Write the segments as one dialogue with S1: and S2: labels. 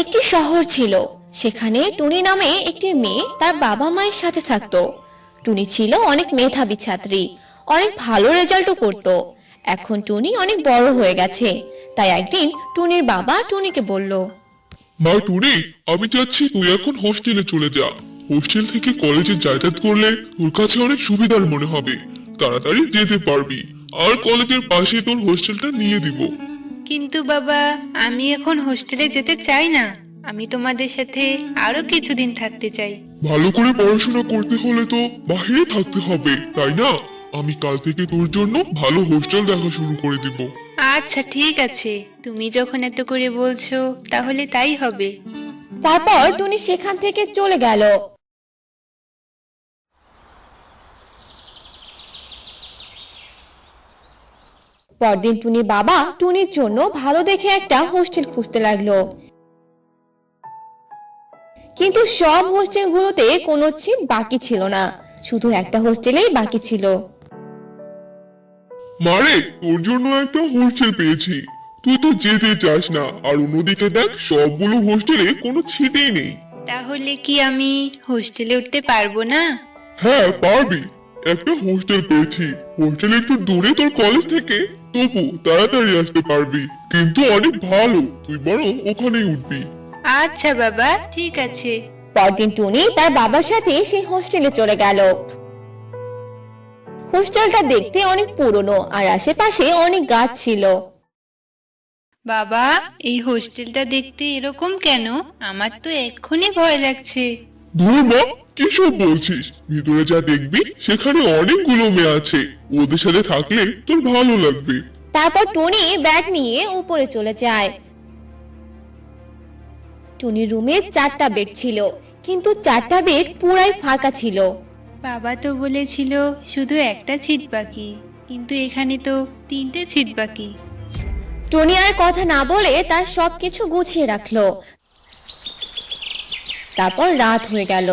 S1: একটি শহর ছিল। সেখানে টুনি নামে একটি মেয়ে তার বাবা মায়ের সাথে থাকতো। টুনি ছিল অনেক মেধাবী ছাত্রী, অনেক ভালো রেজাল্টও করত। এখন টুনি অনেক বড় হয়ে গেছে, তাই একদিন টুনির বাবা টুনিকে বলল,
S2: মা টুনি, আমি চাচ্ছি তুই এখন হোস্টেলে চলে যা। হোস্টেল থেকে কলেজে যাতায়াত করলে তোর কাছে অনেক সুবিধার মনে হবে, তাড়াতাড়ি যেতে পারবি। আর কলেজের পাশে তোর হোস্টেলটা নিয়ে দিব।
S3: কিন্তু বাবা, আমি এখন হোস্টেলে যেতে চাই না। আমি তোমাদের সাথে আরো কিছুদিন থাকতে চাই।
S2: ভালো করে পড়াশোনা করতে হলে তো বাইরে থাকতে হবে, তাই না? আমি কাল থেকে তোর জন্য ভালো হোস্টেল দেখা শুরু করে দিব।
S3: আচ্ছা ঠিক আছে, তুমি যখন এত করে বলছো তাহলে তাই হবে।
S1: তারপর টুনি সেখান থেকে চলে গেল। পরদিন টুনির বাবা টুনির জন্য ভালো দেখে একটা হোস্টেল খুঁজতে লাগলো, কিন্তু সব হোস্টেলগুলোতে কোনো সিট বাকি ছিল না, শুধু একটা হোস্টেলেই বাকি ছিল।
S2: মারে, তোর জন্য একটা হোস্টেল পেয়েছি। তুই তো যেতে চাস না, আর অন্যদিকে দেখ সবগুলো হোস্টেলে কোনো ছিটেই নেই।
S3: তাহলে কি আমি হোস্টেলে উঠতে পারবো না?
S2: হ্যাঁ পারবি, একটা হোস্টেল পেয়েছি। হোস্টেল একটু দূরে তোর কলেজ থেকে, তবু তাড়াতাড়ি আসতে পারবি। কিন্তু অনেক ভালো, তুই বরং ওখানেই উঠবি।
S3: আচ্ছা বাবা, ঠিক আছে।
S1: পরদিন টুনি তার বাবার সাথে সেই হোস্টেলে চলে গেল। হোস্টেলটা দেখতে অনেক পুরনো, আর আশেপাশে অনেক গাছ ছিল।
S3: বাবা, এই হোস্টেলটা দেখতে এরকম কেন? আমার তো এক্ষুনি ভয় লাগছে।
S2: ধুর মা, কি সব বলছিস? ভিতরে যা দেখবি সেখানে অনেকগুলো মেয়ে আছে, ওদের সাথে থাকলে তোর ভালো লাগবে।
S1: তারপর টুনি ব্যাগ নিয়ে উপরে চলে যায়। টুনির রুমে 4টা বেড ছিল, কিন্তু 4টা বেড পুরাই ফাঁকা ছিল।
S3: বাবা তো বলেছিল শুধু একটা সিট বাকি, কিন্তু এখানে তো 3টে সিট বাকি।
S1: টুনি আর কথা না বলে তার সবকিছু গুছিয়ে রাখলো। তারপর রাত হয়ে গেল।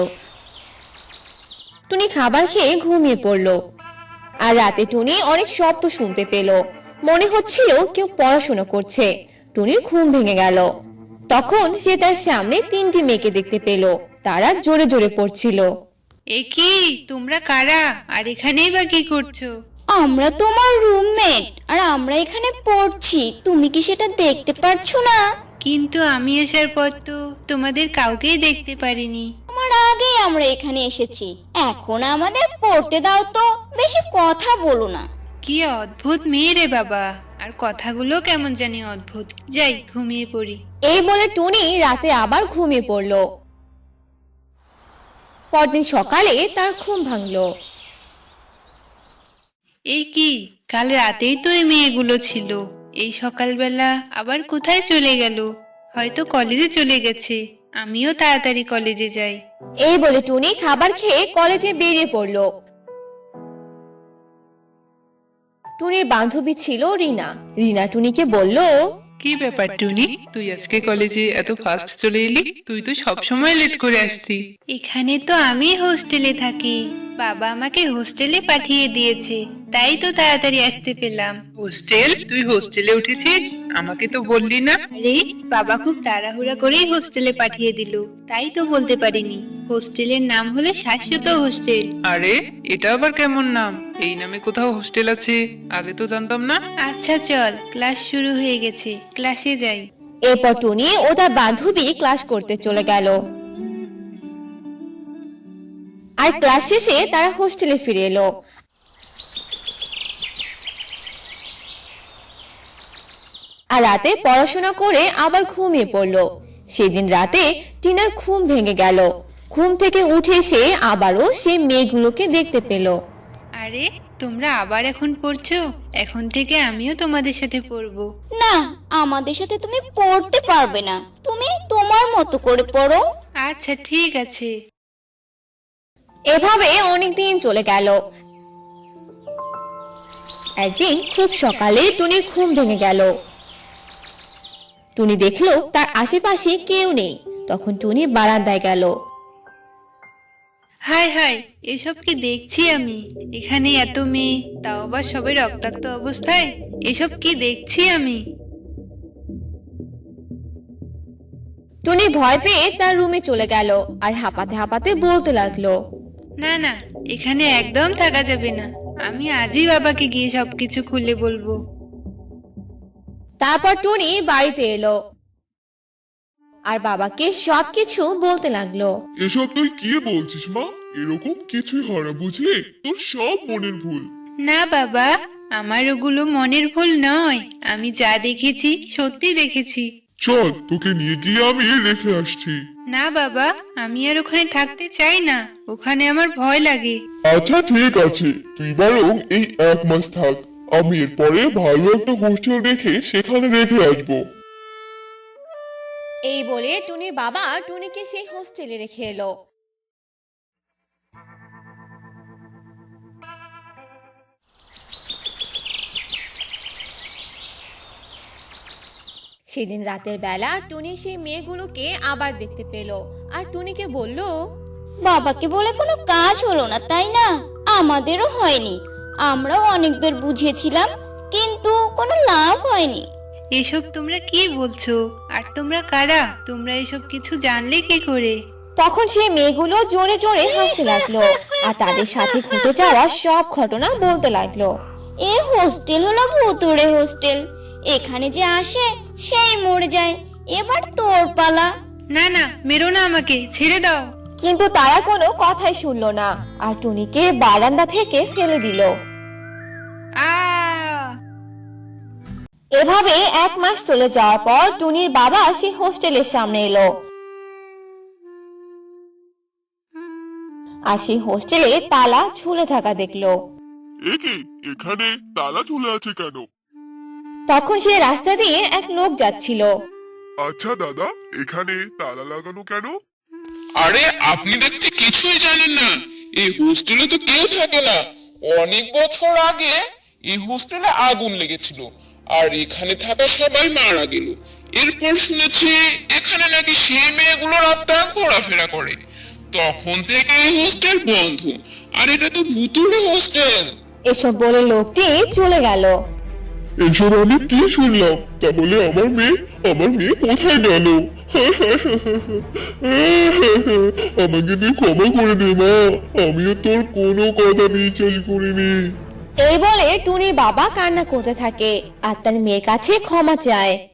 S1: টুনি খাবার খেয়ে ঘুমিয়ে পড়লো। আর রাতে টুনি অনেক শব্দ শুনতে পেল, মনে হচ্ছিল কেউ পড়াশোনা করছে। টুনির ঘুম ভেঙে গেল। তখন সে তার সামনে 3টি মেয়েকে দেখতে পেল, তারা জোরে জোরে পড়ছিল।
S3: এ কি, তোমরা কারা? আর এখানেই বা কি করছো?
S4: আমরা তোমার রুমমেট, আর আমরা এখানে পড়ছি। তুমি কি সেটা দেখতে পারছো না?
S3: কিন্তু আমি আসার পর তো তোমাদের কাউকেই দেখতে পারিনি।
S4: আমার আগেই আমরা এখানে এসেছি, এখন আমাদের পড়তে দাও তো, বেশি কথা বলো না।
S3: কি অদ্ভুত মেয়ে রে বাবা, আর কথাগুলো কেমন জানি অদ্ভুত। যাই ঘুমিয়ে পড়ি।
S1: এই বলে টুনি রাতে আবার ঘুমিয়ে পড়ল। পরদিন সকালে তার ঘুম ভাঙলো।
S3: এই কি, কাল রাতেই তো এই মেয়েগুলো ছিল, এই সকালবেলা আবার কোথায় চলে গেল? হয়তো কলেজে চলে গেছে। আমিও তাড়াতাড়ি কলেজে যাই।
S1: এই বলে টুনি খাবার খেয়ে কলেজে বেরিয়ে পড়ল। টুনির বান্ধবী ছিল রিনা। রিনা টুনিকে বলল,
S5: কি ব্যাপার টুনি, তুই আজকে কলেজে এত ফাস্ট চলে এলি? তুই তো সব সময় লেট করে আসতি।
S3: এখানে তো আমি হোস্টেলে থাকি, বাবা আমাকে হোস্টেলে পাঠিয়ে দিয়েছে, তাই তো তাড়াতাড়ি আসতে পেলাম।
S5: হোস্টেল? তুই হোস্টেলে উঠেছিস? আমাকে তো বললি না।
S3: আরে, বাবা খুব তাড়াহুড়া করেই হোস্টেলে পাঠিয়ে দিল, তাই তো বলতে পারিনি। হোস্টেলের নাম হলো শাশ্বত হোস্টেল।
S5: আরে, এটা আবার কেমন নাম? এই নামে কোথাও হোস্টেল আছে? আগে তো জানতাম না।
S3: আচ্ছা চল, ক্লাস শুরু হয়ে গেছে, ক্লাসে যাই।
S1: এরপর টুনি ও তার বান্ধবী ক্লাস করতে চলে গেল। আর ক্লাস শেষে তারা হোস্টেলে ফিরে এলো। আর রাতে পড়াশোনা করে আবার ঘুমিয়ে পড়লো। সেদিন রাতে টিনার ঘুম ভেঙে গেল। ঘুম থেকে উঠে সে আবারও সেই মেয়েগুলোকে দেখতে পেল।
S3: আরে, তোমরা আবার এখন পড়ছো? এখন থেকে আমিও তোমাদের সাথে পড়বো।
S4: না, আমাদের সাথে তুমি পড়তে পারবে না, তুমি তোমার মতো করে পড়ো।
S3: আচ্ছা ঠিক আছে।
S1: এভাবে অনেক দিন চলে গেল। একদিন খুব সকালে টুনির ঘুম ভেঙে গেল। টুনি দেখলো তার আশেপাশে কেউ নেই। তখন টুনি বারান্দায় গেল।
S3: হাই হাই, এসব কি দেখছি আমি? এখানে এত মেয়ে, তাও আবার সবাই রক্তাক্ত অবস্থায়। এসব কি দেখছি আমি?
S1: টুনি ভয় পেয়ে তার রুমে চলে গেল আর হাঁপাতে হাঁপাতে বলতে লাগলো।
S3: না না, এখানে একদম থাকা যাবে না। আমি আজই বাবাকে গিয়ে সবকিছু খুলে বলবো।
S1: তারপর টুনি বাড়িতে এলো আর বাবাকে সবকিছু বলতে লাগলো।
S2: এসব তুই কি বলছিস মা? এরকম কিছুই হয় না বুঝলি, তোর সব মনের ভুল।
S3: না বাবা, আমার ওগুলো মনের ভুল নয়। আমি যা দেখেছি সত্যি দেখেছি।
S2: চল তোকে নিয়ে গিয়ে আমি রেখে আসছি।
S3: না বাবা, আমি আর ওখানে থাকতে চাই না। ওখানে আমার ভয় লাগে।
S2: আচ্ছা ঠিক আছে, তুই বরং এই 1 মাস থাক। আমি এরপরে ভালো একটা হোস্টেল দেখে সেখানে রেখে আসবো।
S1: এই বলে টুনির বাবা টুনিকে সেই হোস্টেলে রেখে এলো। সেদিন রাতের বেলা টুনি সেই মেয়েগুলোকে আবার দেখতে পেল আর টুনিকে বলল,
S4: বাবাকে বলে কোনো কাজ হলো না তাই না? আমাদেরও হয়নি। আমরাও অনেকবার বুঝিয়েছিলাম, কিন্তু কোনো লাভ হয়নি।
S3: এসব তোমরা কি বলছো? আর তোমরা কারা? তোমরা এসব কিছু জানলে কি করে?
S1: তখন সেই মেয়েগুলো জোরে জোরে হাসতে লাগলো আর তাদের সাথে ঘটে যাওয়া সব ঘটনা বলতে লাগলো।
S4: এ হোস্টেল হলো ভুতুড়ে হোস্টেল। এখানে যে আসে সেই মরে যায়। এবার তোর পালা।
S3: না না, মেরো না, আমাকে ছেড়ে দাও।
S1: কিন্তু তারা কোনো কথাই শুনলো না আর টুনিকে বারান্দা থেকে ফেলে দিল। এভাবে 1 মাস চলে যাওয়ার পর টুনির বাবা সেই হোস্টেলের সামনে এলো আর সেই হোস্টেলে তালা ঝুলে থাকা দেখলো।
S2: একে এখানে তালা ঝুলে আছে কেন?
S1: তখন সে রাস্তা দিয়ে এক লোক যাচ্ছিল।
S2: আচ্ছা দাদা, এখানে তালা লাগানো কেন?
S6: আরে আপনি দেখছি কিছুই জানেন না। এই হোস্টেলে তো কেউ থাকে না। অনেক বছর আগে এই হোস্টেলে আগুন লেগেছিল আর এখানে থাকা সবাই মারা গেল। এরপর শুনেছি এখানে নাকি সেই মেয়েগুলোর আত্মা ঘোরাফেরা করে। তখন থেকে এই হোস্টেল বন্ধ। আর এটা তো ভুতুড়ে হোস্টেল।
S1: এসব বলে লোকটি চলে গেল।
S2: এসব আমি কি শুনলাম? তাহলে আমার মেয়ে কোথায় গেল? আমাকে তুই ক্ষমা করে দে মা, আমিও তোর কোনো কথা বিশ্বাস করিনি।
S1: এই বলে টুনির বাবা কান্না করতে থাকে আর তার মেয়ের কাছে ক্ষমা চায়।